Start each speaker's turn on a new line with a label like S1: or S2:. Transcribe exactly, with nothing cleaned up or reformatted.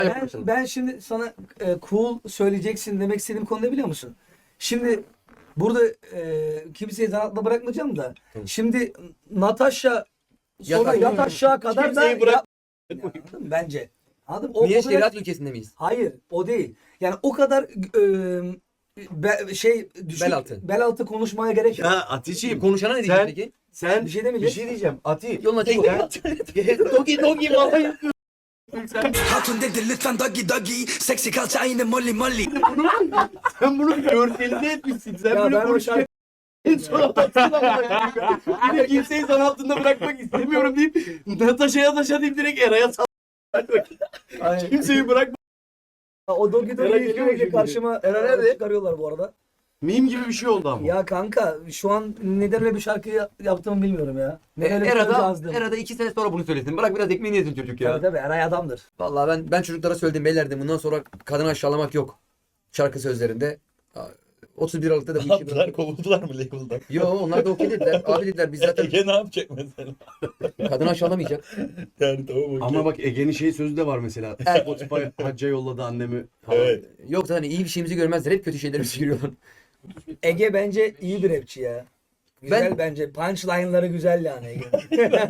S1: Ben, ben şimdi sana e, cool söyleyeceksin demek istediğim konu ne biliyor musun? Şimdi burada e, kimseyi zanaatla bırakmayacağım da. Şimdi Natasha sonra
S2: Yat-
S1: yat aşağı kadar da
S3: Kimseyi bırak-
S1: yap- Ya, anladın mı? Bence. Anladın mı? O,
S2: Niye
S1: o kadar-
S2: şeriat ülkesinde miyiz?
S1: Hayır, o değil. Yani o kadar e, be- şey düşük,
S2: Bel altı.
S1: bel altı konuşmaya gerek yok.
S3: Ya Atiçiğim.
S2: Konuşana ne diyecek
S3: Sen,
S2: peki?
S3: sen
S1: Bir şey demeyeceğiz.
S3: Bir şey diyeceğim. Ati.
S2: Yoluna çık.
S3: Dogi dogi bana yapıyor.
S4: Hatun dedi lütfen doggy doggy. Seksi kalça yine molly molly.
S3: Sen bunu görselinde etmişsin. Sen
S1: Ya
S3: bunu
S1: ben o
S3: konuşurken
S1: şarkı
S3: en son atarsın ama. Bir de kimseyi zan altında bırakmak istemiyorum deyip Natasha'ya taşa deyip direkt Eray'a sal.
S1: Aynen.
S3: Kimseyi bırakma.
S1: O Dogi
S3: Merak
S1: Dogi'yi
S3: ediyor
S1: sürekli
S3: musun?
S1: karşıma
S3: Eren nerede?
S1: çıkarıyorlar bu arada.
S3: Meme gibi bir şey oldu ama.
S1: Ya kanka şu an neden öyle bir şarkı ya- yaptığımı bilmiyorum ya. Neden öyle bir söz
S2: Erada,
S1: yazdım.
S2: Erada iki sene sonra bunu söylesin. Bırak biraz ekmeğini yesin çocuk ya.
S1: Tabii tabii Eray adamdır.
S2: Vallahi ben ben çocuklara söyledim beyler dedim. Bundan sonra kadını aşağılamak yok. Şarkı sözlerinde. otuz bir Aralık'ta da bu
S5: Ne
S2: işi
S5: yaptılar?
S2: bıraktık.
S5: Kovuldular mı label'dan?
S2: Yo onlar da okey dediler. Abi dediler biz zaten
S5: Ege ne yapacak mesela?
S2: kadını aşağılamayacak.
S5: Yani tamam okey.
S3: Ama bak Ege'nin şey sözü de var mesela.
S2: Evet.
S3: Spotify hacca yolladı annemi falan.
S5: Evet.
S2: Yoksa hani iyi bir şeyimizi görmezler. Hep kötü şeylerimizi görüyorlar.
S1: Ege bence iyi bir rapçi ya. Güzel
S2: Ben-
S1: bence. Punchline'ları güzel yani Ege.